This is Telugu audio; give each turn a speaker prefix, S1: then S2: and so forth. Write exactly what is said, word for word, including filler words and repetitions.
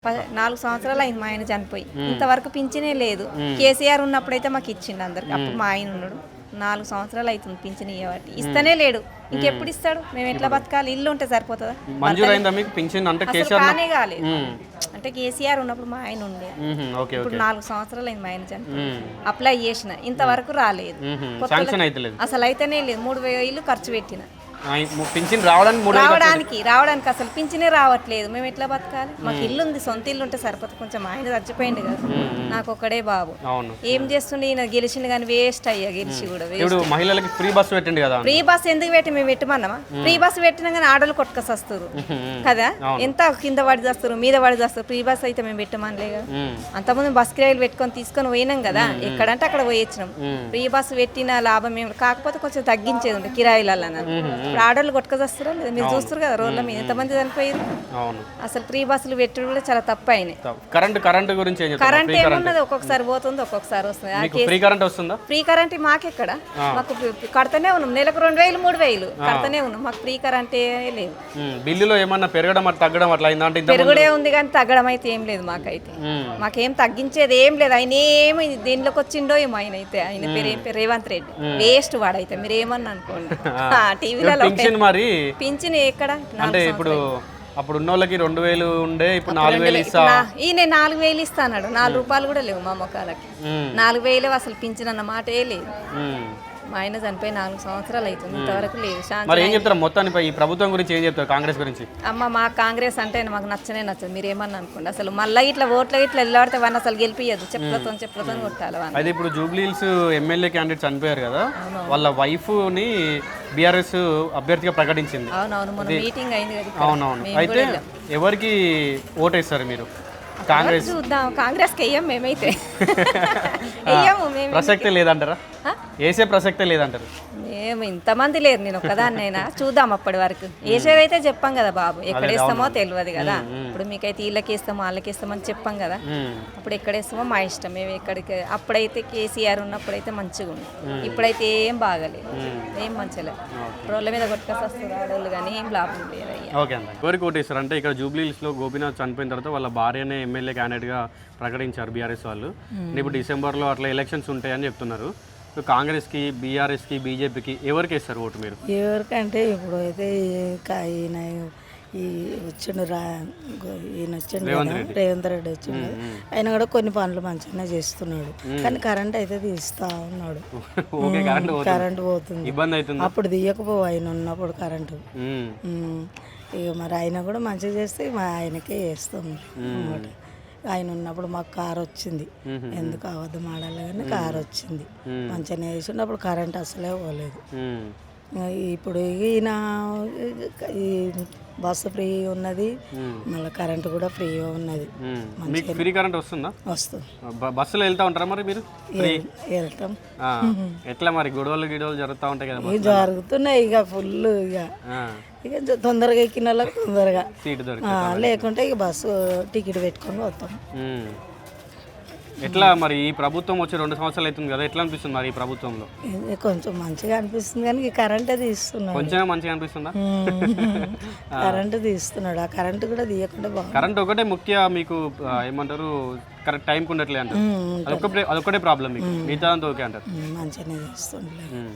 S1: ప- నాలుగు సంవత్సరాలు అయింది మా ఆయన చనిపోయి ఇంతవరకు పింఛనే లేదు. కేసీఆర్ ఉన్నప్పుడైతే మాకు ఇచ్చిండు అందరికి. అప్పుడు మా ఆయన ఉన్నాడు. నాలుగు సంవత్సరాలు అవుతుంది పింఛన్ ఇవ్వబట్టి ఇస్తనే లేడు. ఇంకెప్పుడు ఇస్తాడు? మేము ఎట్లా బతకాలి? ఇల్లు ఉంటే సరిపోతుందా?
S2: మంజూరైందా మీకు పింఛన్? అంటే
S1: అసలు
S2: కేసీఆర్
S1: కానే కాలేదు. అంటే కేసీఆర్ ఉన్నప్పుడు మా ఆయన ఉండే.
S2: ఓకే
S1: ఇప్పుడు
S2: ఓకే
S1: నాలుగు సంవత్సరాలు అయింది మా ఆయన చనిపోయి. అప్లై చేసిన ఇంతవరకు రాలేదు.
S2: శాంక్షన్ అయితే లేదు.
S1: అసలు అయితేనే లేదు. మూడు వేలు ఖర్చు పెట్టిన
S2: పింఛన్ రావడానికి మూడు వేలు
S1: రావడానికి రావడానికి అసలు పింఛనే రావట్లేదు. మేము ఎట్లా బతకాలి? మాకు ఇల్లు ఉంది, సొంత ఇల్లు ఉంటే సరిపోతుంది. కొంచెం ఆయన చచ్చిపోయింది కదా, నాకు ఒక్కడే బాబు.
S2: అవును.
S1: ఏం చేస్తుండే ఈయన గెలిచిండు కానీ వేస్ట్ అయ్యా. గెలిచి కూడా
S2: ఇప్పుడు మహిళలకి ఫ్రీ బస్సు పెట్టండి కదా.
S1: ఫ్రీ బస్ ఎందుకు పెట్టి మేము పెట్టమన్నామా? ఫ్రీ బస్ పెట్టినా కానీ ఆడలు కొట్టుకొస్తారు కదా. ఎంత కింద పడి చేస్తారు, మీద పడి చేస్తారు. ఫ్రీ బస్ అయితే మేము పెట్టమనిలే కదా. అంతకుముందు బస్ కిరాయిలు పెట్టుకొని తీసుకొని పోయినాం కదా, ఎక్కడంటే అక్కడ పోయొచ్చినాం. ఫ్రీ బస్ పెట్టిన లాభం ఏమి, కాకపోతే కొంచెం తగ్గించేది ఉండే కిరాయిలలో. ఇప్పుడు ఆడోళ్ళు కొట్టుకొస్తారు లేదా, మీరు చూస్తారు కదా రోడ్ల మీద ఎంతమంది చనిపోయారు. అసలు ఫ్రీ బస్సులు పెట్టుడు కూడా చాలా తప్పు అయినాయి.
S2: కరెంట్ కరెంట్ గురించి
S1: కరెంట్ ఏమున్నది, ఒక్కొక్కసారి పోతుంది ఒక్కొక్కసారి వస్తుంది.
S2: ఫ్రీ కరెంట్ వస్తుందా?
S1: ఫ్రీ కరెంట్ మాకెక్కడ, మాకు కడతానే ఉన్నాం. నెలకు రెండు వేలు మూడు వేలు కడతానే ఉన్నాం. మాకు ఫ్రీ కరెంట్ లేదు.
S2: బిల్లులో ఏమన్నా పెరగడం అట్లా తగ్గడం అట్లా అయిందా? అంటే
S1: పెరుగుడే ఉంది కానీ తగ్గడం అయితే ఏం లేదు. మాకైతే మాకేం తగ్గించేది ఏం లేదు. ఆయన ఏమి దేనిలోకి వచ్చిండో ఏమో. ఆయన అయితే ఆయన పేరు ఏం పేరు రేవంత్ రెడ్డి. వేస్ట్ వాడైతే మీరు ఏమన్నా అనుకోండి. టీవీలలో
S2: మరి
S1: పింఛన్ ఎక్కడ?
S2: అంటే ఇప్పుడు అప్పుడు ఉన్న వాళ్ళకి రెండు వేలు ఉండే, ఇప్పుడు నాలుగు వేలు ఇస్తా.
S1: ఈయన నాలుగు వేలు ఇస్తా అన్నాడు. నాలుగు రూపాయలు కూడా లేవు మా మొక్కలకి. నాలుగు వేలు అసలు పింఛన్ అన్న మాటే లేదు. మా ఆయన చనిపోయి నాలుగు సంవత్సరాలు అవుతుంది, ఇంతవరకు లేదు.
S2: మరి ఏం చెప్తారు మొత్తాన్ని ఈ ప్రభుత్వం గురించి? ఏం చెప్తారు కాంగ్రెస్ గురించి?
S1: అమ్మ మా కాంగ్రెస్ అంటే మాకు నచ్చనే నచ్చదు. మీరు ఏమన్నా అనుకోండి. అసలు మళ్ళీ ఇట్లా ఓట్ల ఇట్లా వెళ్ళాడితే వాడిని అసలు గెలిపియద్దు. చెప్పులతో చెప్పులతో కొట్టాలి.
S2: అయితే ఇప్పుడు జూబ్లీహిల్స్ ఎమ్మెల్యే క్యాండిడేట్ చనిపోయారు కదా, వాళ్ళ వైఫ్ ని బీఆర్ఎస్ అభ్యర్థిగా ప్రకటించింది.
S1: అవునవును, మొన్న మీటింగ్ అయింది కదా.
S2: అవునవును. అయితే ఎవరికి ఓటేస్తారు మీరు? కాంగ్రెస్
S1: చూద్దాం. కాంగ్రెస్ కి వెయ్యం మేమైతే. వెయ్యము మేము.
S2: ప్రసక్తే లేదంటారా? వేసే ప్రసక్తే లేదంటారు?
S1: మేము ఇంతమంది లేరు, నేను ఒక్కదాన్నైనా. చూద్దాం అప్పటి వరకు. వేసేదైతే చెప్పాం కదా బాబు, ఎక్కడ వేస్తామో తెలియదు కదా. ఇప్పుడు మీకైతే వీళ్ళకి వేస్తామో వాళ్ళకి వేస్తామని చెప్పాం కదా. అప్పుడు ఎక్కడ వేస్తామో మా ఇష్టం. మేము ఎక్కడికి అప్పుడైతే కేసీఆర్ ఉన్నప్పుడైతే మంచిగా ఉంది. ఇప్పుడైతే ఏం బాగలేదు, ఏం మంచిగా. రోడ్ల మీద కొట్టుకొస్తే వస్తారు ఆడవాళ్ళు కానీ ఏం లాభం లేదు.
S2: ఓకే అండి. ఎవరికి ఓటేస్తారు అంటే ఇక్కడ జూబ్లీహిల్స్ లో గోపీనాథ్ చనిపోయిన తర్వాత వాళ్ళ భార్యనే ఎమ్మెల్యే క్యాండిడేట్ గా ప్రకటించారు బీఆర్ఎస్ వాళ్ళు. ఇప్పుడు డిసెంబర్లో అట్లా ఎలక్షన్స్ ఉంటాయని చెప్తున్నారు. కాంగ్రెస్కి, బీఆర్ఎస్కి, బీజేపీకి ఎవరికి వేస్తారు ఓటు మీరు?
S3: ఎవరికంటే ఇప్పుడు అయితే ఈయన ఈ వచ్చిండు రా ఈయన వచ్చిండు రేవంత్ రెడ్డి వచ్చిండు. ఆయన కూడా కొన్ని పనులు మంచిగానే చేస్తున్నాడు, కానీ కరెంట్ అయితే తీస్తా ఉన్నాడు. కరెంట్ పోతుంది,
S2: ఇబ్బంది అవుతుంది.
S3: అప్పుడు తీయకపో ఆయన ఉన్నప్పుడు కరెంటు. ఇక మరి ఆయన కూడా మంచిగా చేస్తే మా ఆయనకే వేస్తాం అన్నమాట. ఆయన ఉన్నప్పుడు మాకు కార్ వచ్చింది, ఎందుకు అబద్ధం ఆడాలి కానీ కార్ వచ్చింది, మంచిగానే వేసిండు. అప్పుడు కరెంట్ అసలే పోలేదు. ఇప్పుడు ఈయన ఈ బస్సు ఫ్రీ ఉన్నది, మళ్ళీ కరెంట్ కూడా ఫ్రీ ఉన్నది.
S2: ఫ్రీ కరెంట్ వస్తుందా?
S3: వస్తుంది.
S2: బస్సులో వెళ్తా ఉంటారా మరి మీరు?
S3: వెళ్తాం.
S2: ఎట్లా మరి గొడవలు గిడవలు జరుగుతూ ఉంటాయి కదా?
S3: జరుగుతున్నాయి ఇక ఫుల్. ఇక ఇక తొందరగా ఎక్కిన వాళ్ళకి తొందరగా
S2: సీటు
S3: లేకుంటే ఇక బస్సు టికెట్ పెట్టుకొని పోతాం.
S2: ఎట్లా మరి ఈ ప్రభుత్వం వచ్చి రెండు సంవత్సరాలు అవుతుంది కదా, ఎట్లా అనిపిస్తుంది మరి ఈ ప్రభుత్వంలో?
S3: కొంచెం మంచిగా అనిపిస్తుంది కానీ కరెంటే తీస్తున్నాడు.
S2: కొంచెం మంచిగా అనిపిస్తుందా?
S3: కరెంటు తీస్తున్నాడు. ఆ కరెంటు కూడా తీయకుండా బాగుంది.
S2: కరెంట్ ఒకటే ముఖ్య మీకు ఏమంటారు, కరెక్ట్ టైంకి ఉండట్లే అంటారు. అదొకటే అదొకటే ప్రాబ్లం మీకు, మిగతా అంతా ఓకే అంటారు.
S3: మంచిగానే తీస్తుండే.